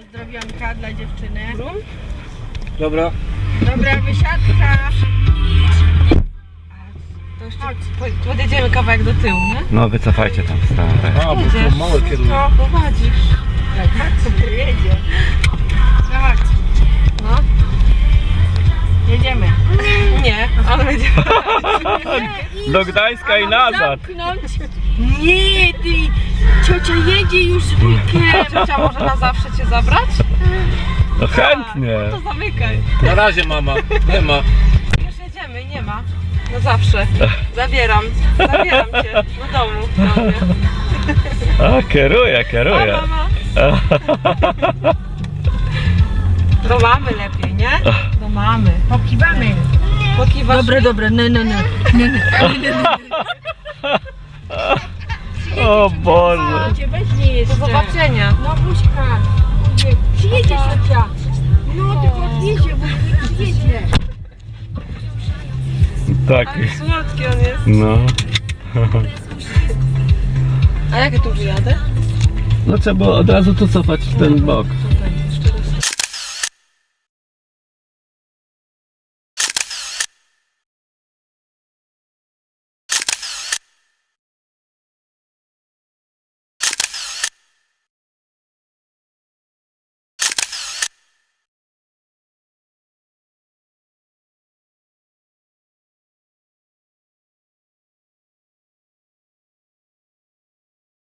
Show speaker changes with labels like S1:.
S1: zdrowionka dla dziewczyny.
S2: Dobra.
S1: Dobra, wysiadka.
S3: To jeszcze podjedziemy kawałek do tyłu, nie?
S4: No wycofajcie tam stare.
S2: A, bo to małe kieruje.
S3: To prowadzisz.
S1: Tak, sobie jedzie. Chodź.
S3: No.
S1: Jedziemy.
S3: Nie, on będzie.
S4: Do Gdańska i nazad.
S1: Zamknąć. Nie, ty. Ciocia jedzie już z wujkiem.
S3: Ciocia może na zawsze cię zabrać?
S4: No chętnie.
S3: To zamykaj.
S2: Na razie mama. Nie ma.
S3: Już jedziemy, nie ma. Na zawsze. Zabieram cię do domu. Do mnie.
S4: A, kieruję.
S3: O, mama. Do mamy lepiej, nie? Do mamy.
S1: Pokiwamy.
S3: Pokiwasz
S1: Dobre, dobre. No.
S4: O Boże.
S1: Cię weźmie
S3: Do
S1: jeszcze.
S3: zobaczenia.
S1: No buźka. Przyjedzie ciocia. No tylko odjedzie, bo przyjedzie.
S4: Tak.
S3: Ale słodki on jest.
S4: No.
S3: A jak ja tu wyjadę?
S4: No trzeba było od razu tu cofać w ten bok.
S3: Tutaj.